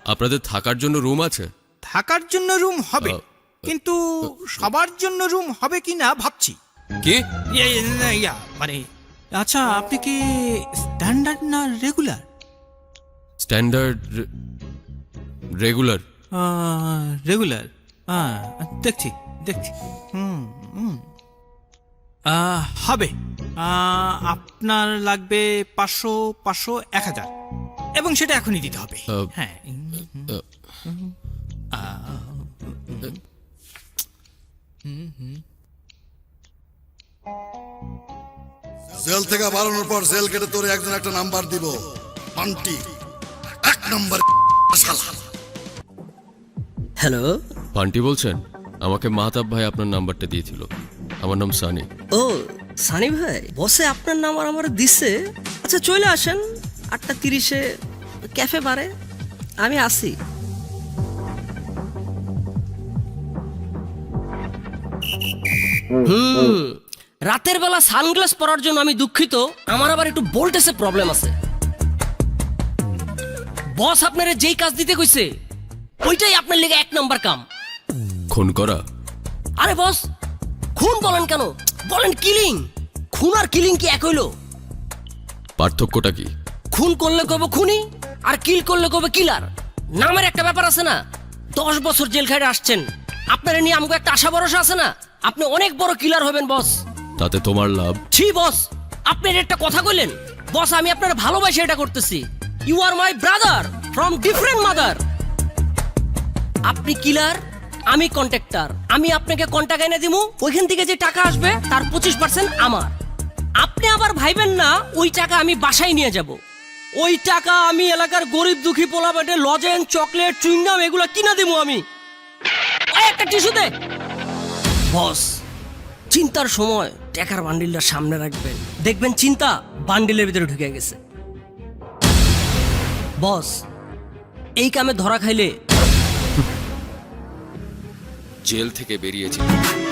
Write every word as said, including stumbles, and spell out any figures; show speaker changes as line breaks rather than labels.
আপনাদের থাকার জন্য রুম আছে?
থাকার জন্য রুম হবে, কিন্তু সবার জন্য রুম হবে কিনা ভাবছি।
কি?
ইয়ে, ইয়ে, ইয়া, মানে আচ্ছা, আপনি কি স্ট্যান্ডার্ড না রেগুলার?
Standard, regular.
রেগুলার, হ্যাঁ, দেখছি দেখছি হুম হুম আহ, হবে। আহ, আপনার লাগবে পাঁচশো পাঁচশো এক হাজার, এবং সেটা এখনই দিতে হবে।
আহ,
হ্যাঁ,
জেল থেকে বাড়ানোর পর জেল কেটে তোরে একজন একটা নাম্বার দিব, পান্টি এক নাম্বার শালা।
হ্যালো।
পান্টি বলছেন? আমাকে মাহতাব ভাই আপনার নাম্বারটা দিয়েছিল। আমার নাম সানি।
ও সানি ভাই, বসে আপনার নাম্বার আমার দিচ্ছে। আচ্ছা চলে আসেন আটটা তিরিশে ক্যাফে বারে, আমি আসি। হুম, রাতের বেলা সানগ্লাস পরার জন্য আমি দুঃখিত, আমার আবার একটু ভোল্টেজে প্রবলেম আছে। বস আপনারে যেই কাজ দিতে কইছে ওইটাই আপনার লেগে এক নাম্বার কাম।
খুন করা?
আরে বস, খুন বলেন কেন, বলেন কিলিং। খুন আর কিলিং কি এক হইলো?
পার্থক্যটা কি?
খুন করলে কবে খুনি, আর কিল করলে কবে কিলার। নামের একটা ব্যাপার আছে না। দশ বছর জেল খাইতে আসছেন, আপনার নিয়ে আমাকে একটা আশা ভরসা আছে না, আপনি অনেক বড় কিলার হবেন বস।
তাতে তোমার লাভ?
ছি বস, আপনি একটা কথা কইলেন। বস আমি আপনার ভালোবাসে এটা করতেছি। You are my brother from different mother. আপনি কিলার, আমি কন্ট্রাক্টর। আমি আপনাকে কন্টাক্ট এনে দিমু, ওইখান থেকে যে টাকা আসবে তার পঁচিশ পার্সেন্ট আমার। আপনি আবার ভাইবেন না ওই টাকা আমি বাসায় নিয়ে যাব। ওই টাকা আমি এলাকার গরিব দুঃখী পোলাপাটে লজেন, চকলেট, চুইংগাম এগুলো কিনা দিমু আমি। ওই একটা টিস্যু দে। বস, চিন্তার সময় টাকার বান্ডিলটা সামনে রাখবেন, দেখবেন চিন্তা বান্ডিলের ভিতরে ঢুকে গেছে। বস, এই কামে ধরা খাইলে
জেল থেকে বেরিয়েছি